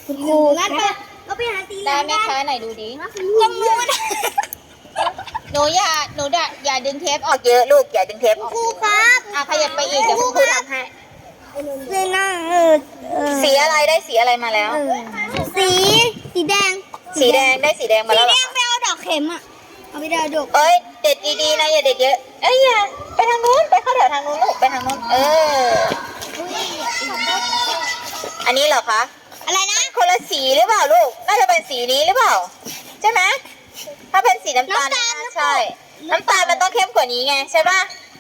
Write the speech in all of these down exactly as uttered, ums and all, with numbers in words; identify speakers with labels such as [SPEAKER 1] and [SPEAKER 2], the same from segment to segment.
[SPEAKER 1] คุณครูงั้นไปเราไปหาสีเหลื
[SPEAKER 2] ได้
[SPEAKER 1] อง
[SPEAKER 2] ไหมคะไหนดูดิ
[SPEAKER 1] ก็มูน
[SPEAKER 2] หนูอย่าหนูอย่าอย่าดึงเทปออกเยอะลูกอย่าดึงเทปออก
[SPEAKER 1] ครูครับ
[SPEAKER 2] อ่ะขยับไปอีกเดี๋ยวคุณครูทำให้
[SPEAKER 1] สีหน้าเออเออ
[SPEAKER 2] สีอะไรได้สีอะไรมาแล้ว
[SPEAKER 1] เออสีสีแดง
[SPEAKER 2] สีแดงได้สีแดงมา
[SPEAKER 1] สี
[SPEAKER 2] แล้วเห
[SPEAKER 1] แด
[SPEAKER 2] รอง
[SPEAKER 1] ไปเอาดอกเข็มอ่ะเอาไปเอาดอก
[SPEAKER 2] เอ้ยเด็ดดีๆนะอย่าเด็ดเยอะเอ้ยอย่าไปทางนู้นไปเข้าแถวทางนู้นลูกไปทางนู้นเอออันนี้เหรอคะ
[SPEAKER 1] อะไรนะ
[SPEAKER 2] คนละสีหรือเปล่าลูกน่าจะเป็นสีนี้หรือเปล่าใช่ไหมถ้าเป็นสีน้ำตาลใช่น้ำตาลมันต้องเข้มกว่านี้ไงใช่ป่ะ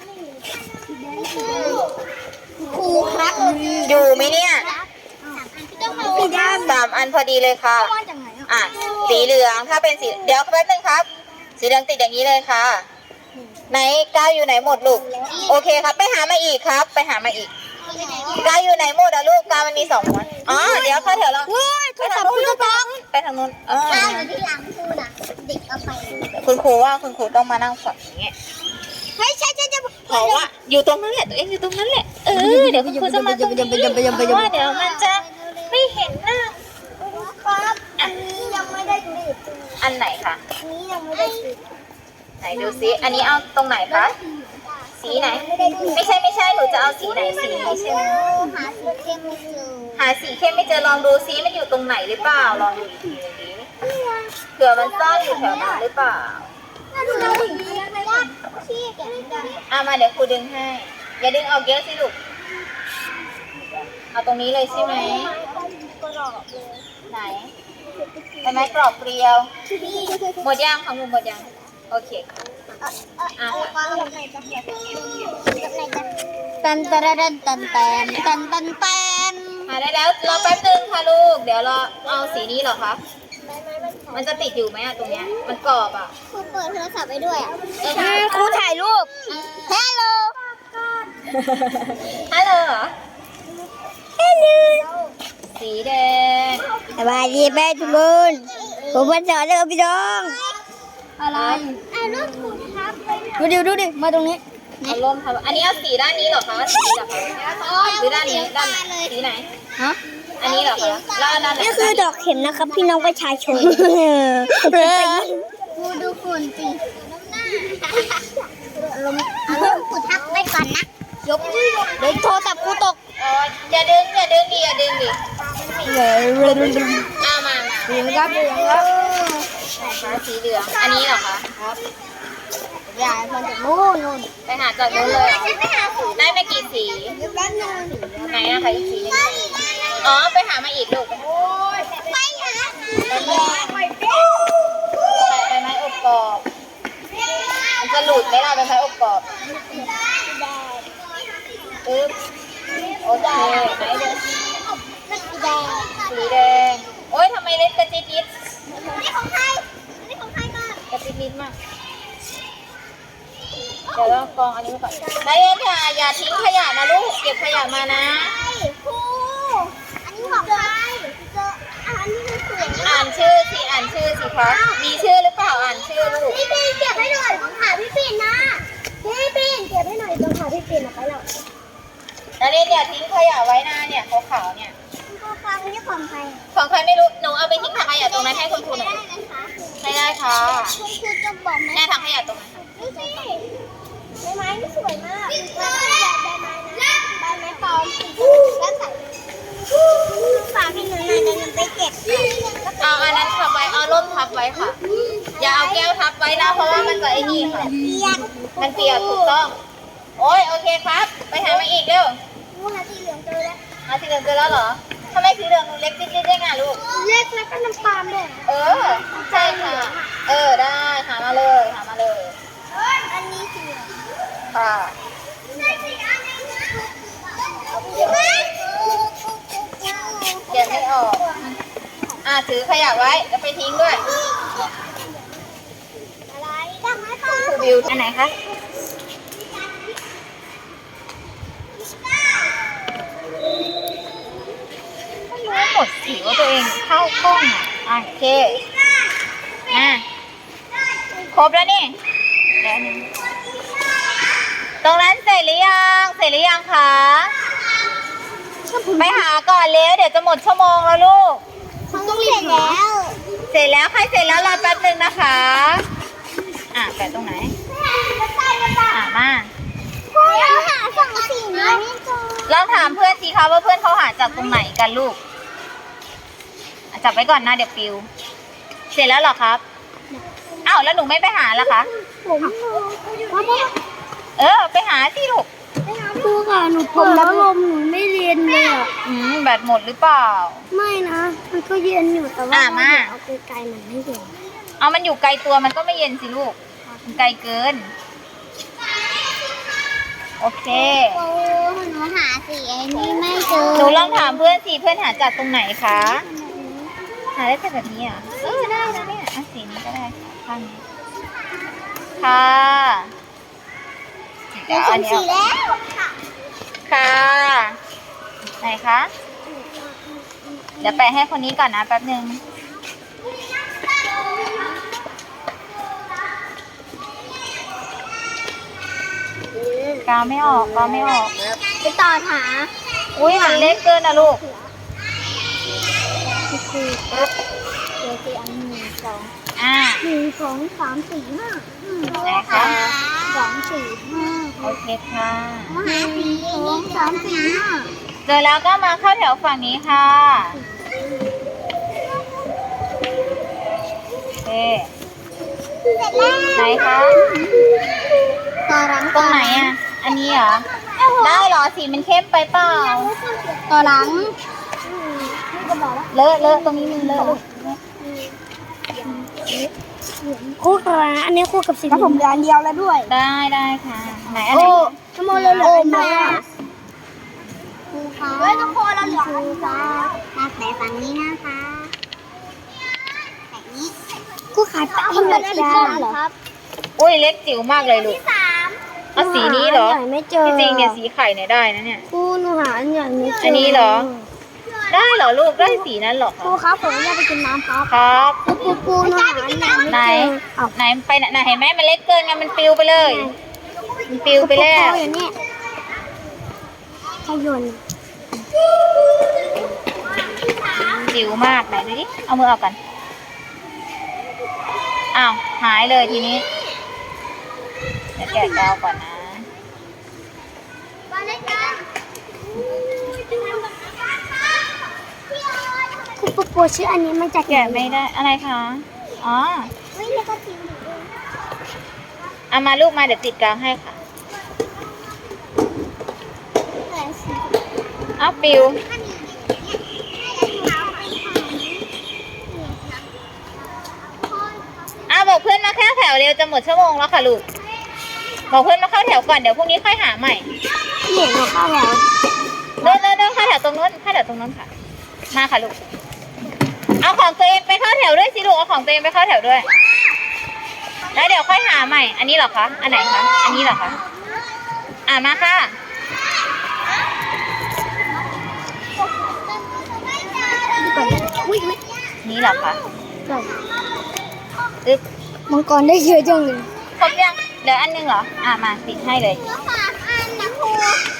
[SPEAKER 1] ครูครับ
[SPEAKER 2] อยู่ไหมเนี่ย
[SPEAKER 1] สีแดง
[SPEAKER 2] สามอันพอดีเลยค่ะ
[SPEAKER 1] มาจากไหนอ่ะ
[SPEAKER 2] อ่ะสีเหลืองถ้าเป็นสีเดี๋ยวแป๊บนึงครับ สีเหลืองติดอย่างนี้เลยค่ะไหนก้าวอยู่ไหนหมดลูกโอเคครับไปหามาอีกครับ ไปหามาอีกก้าวอยู่ไหนหมดอะลูกก้าวมันมีสองม้วนอ๋อเดี๋ยวเข้าแถวเรา
[SPEAKER 1] เฮ้ย
[SPEAKER 2] ไปทางนู้นลูกไปทางนู้นเออ
[SPEAKER 1] ข้าวอยู่ที่หลังครูน่ะเด็กเอาไป
[SPEAKER 2] คุณครูว่าคุณครูต้องมานั่งฝั่งนี้
[SPEAKER 1] เฮ้ยใช่ใช่ใช่
[SPEAKER 2] เพราะว่าอยู่ตรงนั้นแหละตัวเองอยู่ตรงนั้นแหละเออเดี๋ยวคุณครูจะมาตรงนี้เพราะว่าเดี๋ยวมันจะไม่เห็นหน้า
[SPEAKER 1] ครับอันนี้ยังไม่ได้ติด
[SPEAKER 2] อันไหนคะ
[SPEAKER 1] อันนี้ยังไม่ได้ติด
[SPEAKER 2] ไหนดูซิอันนี้เอาตรงไหนคะสีไหน ไม่ใช่ไม่ใช่หนูจะเอาสีไหนสีนี้ใช่ไหม
[SPEAKER 1] หาสีเข้มไม่เจอ
[SPEAKER 2] หาสีเข้มไม่เจอลองดูซิมันอยู่ตรงไหนหรือเปล่าลองดูอีกทีนึงดิเผื่อมันซ่อนอยู่แถวนั้นหรือเปล่า
[SPEAKER 1] ถ้าดูแล้วถึงจะไม่ได้ชี้แกะได้
[SPEAKER 2] อ่ะมาเดี๋ยวครูดึงให้อย่าดึงเอาเยอะสิลูกเอาตรงนี้เลยใช่ไหม
[SPEAKER 1] กรอบเลย
[SPEAKER 2] ไหนเป็นไม้กรอบเกลียว หมดยังของหนูหมดยังโอเคค่ะ
[SPEAKER 1] อ่ะปลากับไหนจะเห็นกับไหนจะตันตันตันตันตันตันตันตัน
[SPEAKER 2] หาได้แล้วรอแป๊บนึงค่ะลูกเดี๋ยวเราเอาสีนี้เหรอคะมันจะติดอยู่ไหมอะตรงเนี้ยมันกรอบอะ
[SPEAKER 1] ครูเปิดโทรศัพท์ไปด้วยอ่ะ
[SPEAKER 2] เออ
[SPEAKER 1] ครูถ่ายรูปฮัลโหล
[SPEAKER 2] ฮัลโหลเหรอ
[SPEAKER 1] ฮัลโหล
[SPEAKER 2] สีแดง
[SPEAKER 1] สวัสดีแม่ทุกคนผมมาสอนเรื่องพี่น้องอะไรอ่ะรูปคุณครับดูดิดูดิมาตรงนี้
[SPEAKER 2] เอาร่มทำอันนี้เอาสีด้านนี้เหรอคะสีเหรอคะหรือด้านนี้ด้านไหนสีไหน
[SPEAKER 1] ฮะ
[SPEAKER 2] อันนี้เหรอคะแล้วอันนั้นไหน
[SPEAKER 1] นี่คือดอกเข็มนะครับพี่น้องประชาชนกูดูฝุ่นสิอารมณ์อารมณ์กูทักไปก่อนนะยกเดี๋ยวโทรศัพท์กูตก
[SPEAKER 2] อ๋ออย่าดึงอย่าดึงดิอย่าดึงดิเอามามา
[SPEAKER 1] เหลืองครับเหลืองครับ
[SPEAKER 2] ไหนคะสีเหลืองอันนี้เหรอคะ
[SPEAKER 1] ครับยายมาจากนู่นนู่น
[SPEAKER 2] ไปหาจากนู้นเลยเหรอ
[SPEAKER 1] ไปหาฝุ่น
[SPEAKER 2] ได้มากี่สี
[SPEAKER 1] เดี๋ยวแป๊บนึง
[SPEAKER 2] ไหนอะคะอีกสีหนึงอ๋อไปหามาอีกลูก
[SPEAKER 1] ไปหา
[SPEAKER 2] ใบไม้ใบไม้อบกรอบมันจะหลุดไหมล่ะใบไม้อบกรอบปึ๊บโอเคไหนดู
[SPEAKER 1] สีแดง
[SPEAKER 2] สีแดงโอ๊ยทำไมเล็กกระจิดยิด
[SPEAKER 1] นี่ของใครนี่ของใครก่อน
[SPEAKER 2] กระจิดยิดมากเดี๋ยวเรากองอันนี้ไว้ก่อนนายเอ็นอย่าอย่าทิ้งขยะนะลูกเก็บขยะมานะ
[SPEAKER 1] ครูอันนี้ของใครเจออันนี้มันสวยมาก
[SPEAKER 2] อ่านชื่อสิอ่านชื่อสิคะมีชื่อหรือเปล่าอ่านชื่อลูก
[SPEAKER 1] พี่ปีนเก็บให้หน่อยของขาพี่ปีนนะพี่ปีนเก็บให้หน่อยตรงขาพี่ปีนเอาไปแล้ว
[SPEAKER 2] นายเอ็นอย่าทิ้งขยะไว้นะเนี่ยขาวๆเนี่ย
[SPEAKER 1] ครูฟังนี่ของใคร
[SPEAKER 2] ของใครไม่รู้หนูเอาไปทิ้งถังขยะตรงนั้นให้คุณครูหน่อย
[SPEAKER 1] ได้ไหมคะ
[SPEAKER 2] ให้ได้ค่ะ
[SPEAKER 1] คุณครูจะบอกไหม
[SPEAKER 2] แม่ถังขยะตรงนั้น
[SPEAKER 1] นี่สิใบไม้นี่สวยมากใบไม้ใบไม้นะใบไม้ปลอมแล้วใส่ฝากให้หนูหน่อยเดี๋ยวหนูไปเก็บ
[SPEAKER 2] เอาอันนั้นทับไว้เอาร่มทับไว้ค่ะ อย่าเอาแก้วทับไว้นะเพราะว่ามันจะไอ้นี่ค่ะ
[SPEAKER 1] เปียก
[SPEAKER 2] มันเปียกถูกต้อง โอ้ยโอเคครับ ไปหามาอีกเร็ว
[SPEAKER 1] ครูหาสีเหลืองเจอแล้ว
[SPEAKER 2] หาสีเหลืองเจอแล้วเหรอทำไมสีเหลืองหนูเล็กนิดๆได้ไงลูก
[SPEAKER 1] เล็กแล้วก็น้ำตาลด้วย
[SPEAKER 2] เออใช่ค่ะ เออได้หามาเลยหามาเลย
[SPEAKER 1] อันนี้สีเหลือง
[SPEAKER 2] ค่ะ
[SPEAKER 1] ได้สีอันนี้นะ
[SPEAKER 2] เขียนไม่ออก อ่ะถือขยะไว้แล้วไปทิ้งด้วย
[SPEAKER 1] อะไรดอกไม้ปลอม
[SPEAKER 2] ครูบิวอันไหนคะไม่รู้หมดสีว่าตัวเองเข้ากล้องอ่ะอ่ะโอเคอ่ะครบแล้วนี่เดี๋ยวนึงตรงนั้นเสร็จหรือยังเสร็จหรือยังคะไปหาก่อนเร็วเดี๋ยวจะหมดชั่วโมงแล้วลูก
[SPEAKER 1] เสร็จแล้ว
[SPEAKER 2] เสร็จแล้วใครเสร็จแล้วรอแป๊บนึงนะคะ อ่ะแปะตรงไหน อ่ะมา
[SPEAKER 1] พ่อเราหาสองสีนี้ไม่เจอ
[SPEAKER 2] ลองถามเพื่อนสิคะว่าเพื่อนเขาหาจากตรงไหนกันลูกอ่ะจับไว้ก่อนนะเดี๋ยวปิว เสร็จแล้วเหรอครับ อ้าวแล้วหนูไม่ไปหาล่ะคะ
[SPEAKER 1] ผมพ่อพ่อ
[SPEAKER 2] เออไปหาสิลูก
[SPEAKER 1] ครูค่ะหนูเปิดพัดลมหนูไม่เรียนเลยอ่ะ
[SPEAKER 2] อืมแบตหมดหรือเปล่า
[SPEAKER 1] ไม่นะ มันก็เย็นอยู่แต่ว่า
[SPEAKER 2] อ่ะมา
[SPEAKER 1] เอาไกลๆมันไม่เย็น
[SPEAKER 2] เอามันอยู่ไกลตัวมันก็ไม่เย็นสิลูก มันไกลเกิน โอเค
[SPEAKER 1] โอ้หนูหาสีไอ้นี่ไม่เจอ
[SPEAKER 2] หนูลองถามเพื่อนสิเพื่อนหาจากตรงไหนคะ หาได้แต่แบบนี้อ่ะเออได้นะเนี่ยอ่ะสีนี้ก็ได้ค่ะข้างนี้ค่ะเดี๋ยวอันนี้
[SPEAKER 1] สี
[SPEAKER 2] เอา
[SPEAKER 1] แล้วค่ะ
[SPEAKER 2] ค่ะไหนคะ เดี๋ยวแปะให้คนนี้ก่อนนะแป๊บนึงกาวไม่ออกกาวไม่ออก
[SPEAKER 1] ไปต่อหา
[SPEAKER 2] อุ้ยมันเล็กเกินนะลูก
[SPEAKER 1] คือครับเดี๋ยวสีอันหนึ่งสอง
[SPEAKER 2] อ่า
[SPEAKER 1] หนึ่งสองสามสี่ห้า
[SPEAKER 2] ไหนคะ
[SPEAKER 1] สองสี่ห้า
[SPEAKER 2] โอเคค่ะ
[SPEAKER 1] หนึ่งสองสามสี่ห้า
[SPEAKER 2] เจอแล้วก็มาเข้าแถวฝั่งนี้ค่ะโอเค
[SPEAKER 1] เสร็จแล้ว
[SPEAKER 2] ไหนคะ
[SPEAKER 1] ต่อหลัง
[SPEAKER 2] ตรงไหนอ่ะ อันนี้เหรอ ได้เหรอ สีมันเข้มไปเปล่า
[SPEAKER 1] ต่อหลังนี่ก็บอกว่า
[SPEAKER 2] เลอะเลอะตรงนี้มีเลอะลูก
[SPEAKER 1] คู่กับอันนี้คู่กับสีแล้วผมเดือนเดียวแล้วด้วย
[SPEAKER 2] ได้ได้ค่ะ ไหนอันไหน
[SPEAKER 1] น้ำมันเลยเหลือไหมอ่ะครูคะเฮ้ยทุกคนเราเหลือครูคะมาแปะฝั่งนี้นะคะแปะนี้ครูขายแปะให้หน่อยครับ
[SPEAKER 2] อุ้ยเล็กจิ๋วมากเลยลูก
[SPEAKER 1] สาม
[SPEAKER 2] เอาสีนี้เหรอ
[SPEAKER 1] ไม่เจอ
[SPEAKER 2] ที่จริงเนี่ยสีไข่เนี่ยได้นะเนี่ย
[SPEAKER 1] ครูหนูหาอันใหญ่ไม่เจอ
[SPEAKER 2] อั
[SPEAKER 1] อั
[SPEAKER 2] นนี้เหรอ ได้เหรอลูก ได้สีนั้นเหรอ
[SPEAKER 1] ครูครับผมอยากไปกินน้ำครับ
[SPEAKER 2] ครับ
[SPEAKER 1] ครูครูหนูหาอันใหญ่ไม่
[SPEAKER 2] ไหน
[SPEAKER 1] เจอเอา
[SPEAKER 2] ไหนไปไหนไหนเห็นไหมมันเล็กเกินไงมันปลิวไปเลย มันปลิวไปแล้ว
[SPEAKER 1] อย่างนี้ขยน
[SPEAKER 2] จิ๋วมากไหนดูดิ เอามือออกกัน อ้าว หายเลยทีนี้ เดี๋ยวแกะกาวก่อนนะ
[SPEAKER 1] ครูปูปูชื่ออันนี้มาจาก
[SPEAKER 2] แกะไม่ได้ อะไรคะ อ๋อ
[SPEAKER 1] ไม่ได้ก็ทิ้ง
[SPEAKER 2] เอามาลูกมาเดี๋ยวติดกาวให้ค่ะ เอาปิวเอาบอกเพื่อนมาแค่แถวเร็วจะหมดชั่วโมงแล้วค่ะลูก บอกเพื่อนมาเข้าแถวก่อนเดี๋ยวพรุ่งนี้ค่อยหาใหม่
[SPEAKER 1] เหนียงเข้าแล้ว
[SPEAKER 2] เดินเดินเดินเข้าแถวตรงนู้นเข้าแถวตรงนู้นค่ะ มาค่ะลูก เอาของตัวเองไปเข้าแถวด้วยสิลูก เอาของตัวเองไปเข้าแถวด้วย แล้วเดี๋ยวค่อยหาใหม่ อันนี้เหรอคะ อันไหนคะ อันนี้เหรอคะ อ่ามาค่ะ
[SPEAKER 1] อุ้ยไม่
[SPEAKER 2] นี่เหรอคะ
[SPEAKER 1] ใช่
[SPEAKER 2] อึ๊บ
[SPEAKER 1] มังกรได้เยอะจังเลย
[SPEAKER 2] ครบยังเหลืออันหนึงเหรอ อ่ามาติดให้เลย
[SPEAKER 1] เหลือสามอันนะครู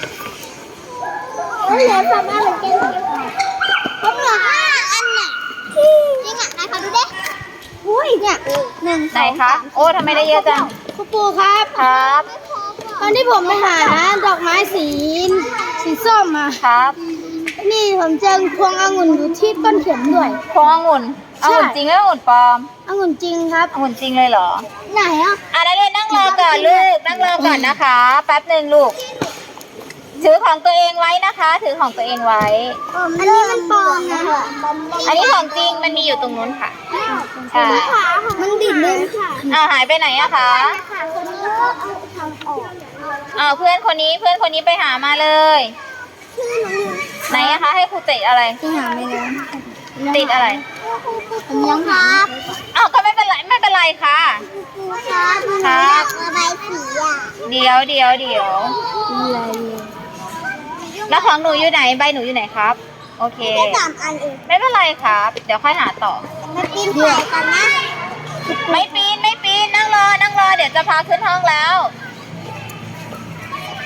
[SPEAKER 1] เหลือสามอันเหมือนกันผมเหลือห้าอันน่ะจริงอ่ะนายขอดูดิอุ้ยเนี่ยหนึ่ง
[SPEAKER 2] ไหนคะ โอ้ทำไมได้เยอะจัง
[SPEAKER 1] ครูปูครับ
[SPEAKER 2] ครับ
[SPEAKER 1] ตอนที่ผมไปหาดอกไม้สีสีส้มอ่ะ
[SPEAKER 2] ครับ
[SPEAKER 1] นี่ผมเจอพวงองุ่นอยู่ที่ต้นเข็มด้วย
[SPEAKER 2] พวงองุ่น
[SPEAKER 1] ใช่
[SPEAKER 2] องุ่นจริงแล้วองุ่นปลอม
[SPEAKER 1] องุ่นจริงครับ
[SPEAKER 2] องุ่นจริงเลยเหรอ
[SPEAKER 1] ไหนอ่ะ
[SPEAKER 2] อ่ะนักเรียนนั่งรอก่อนลูก นั่งรอก่อนนะคะ แป๊บหนึ่งลูก ถือของตัวเองไว้นะคะ ถือของตัวเองไว้
[SPEAKER 1] อันนี้มันปลอมนะ
[SPEAKER 2] อันนี้ของจริงมันมีอยู่ตรงนู้นค่ะ ใช่
[SPEAKER 1] มันดิดเลยค่ะ
[SPEAKER 2] อ้าวหายไปไหนอะคะ
[SPEAKER 1] ค่ะคนนี้ก็เอาทำออก
[SPEAKER 2] อ้าวเพื่อนคนนี้เพื่อนคนนี้ไปหามาเลย
[SPEAKER 1] ชื่อหนูอยู่
[SPEAKER 2] ไหนอะคะ ให้ครูติดอะไร
[SPEAKER 1] ที่หาไม่ได้
[SPEAKER 2] ติดอะไร
[SPEAKER 1] ผมยังครับ
[SPEAKER 2] อ้าวก็ไม่เป็นไรไม่เป็นไรค่ะ
[SPEAKER 1] ครูครับ
[SPEAKER 2] ครับ
[SPEAKER 1] ระบายสีอ่ะ
[SPEAKER 2] เดี๋ยวเดี๋ยวเดี๋ยว
[SPEAKER 1] อะไร
[SPEAKER 2] แล้วของหนูอยู่ไหนใบหนูอยู่ไหนครับ โอเค
[SPEAKER 1] แค่สามอันเอง
[SPEAKER 2] ไม่เป็นไรครับ เดี๋ยวค่อยหาต่อ
[SPEAKER 1] มาปีนป่ายกันนะ
[SPEAKER 2] ไม่ปีนไม่ปีนนั่งรอนั่งรอเดี๋ยวจะพาขึ้นห้องแล้ว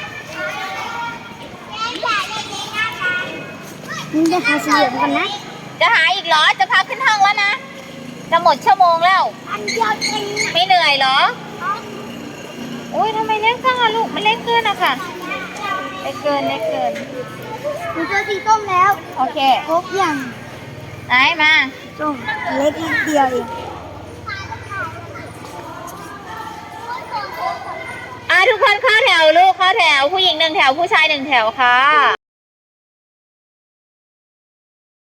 [SPEAKER 1] มึงจะหาสีเหลืองกันนะ
[SPEAKER 2] จะหาอีกเหรอ จะพักขึ้นห้องแล้วนะ จะหมดชั่วโมงแล้ว
[SPEAKER 1] อันเดียวเอง
[SPEAKER 2] ไม่เหนื่อยเหรอ อุ้ยทำไมเล็กจังอะลูก มันเล็กเกินอะค่ะ เล็กเกินเล็กเกิน
[SPEAKER 1] หนูเจอสีส้มแล้ว
[SPEAKER 2] โอเค
[SPEAKER 1] ครบอย่าง
[SPEAKER 2] ไหนมา
[SPEAKER 1] ส้มเล็กนิดเดียวเอง
[SPEAKER 2] อ่ะทุกคนเข้าแถวลูกเข้าแถว ผู้หญิงหนึ่งแถวผู้ชายหนึ่งแถวค่ะ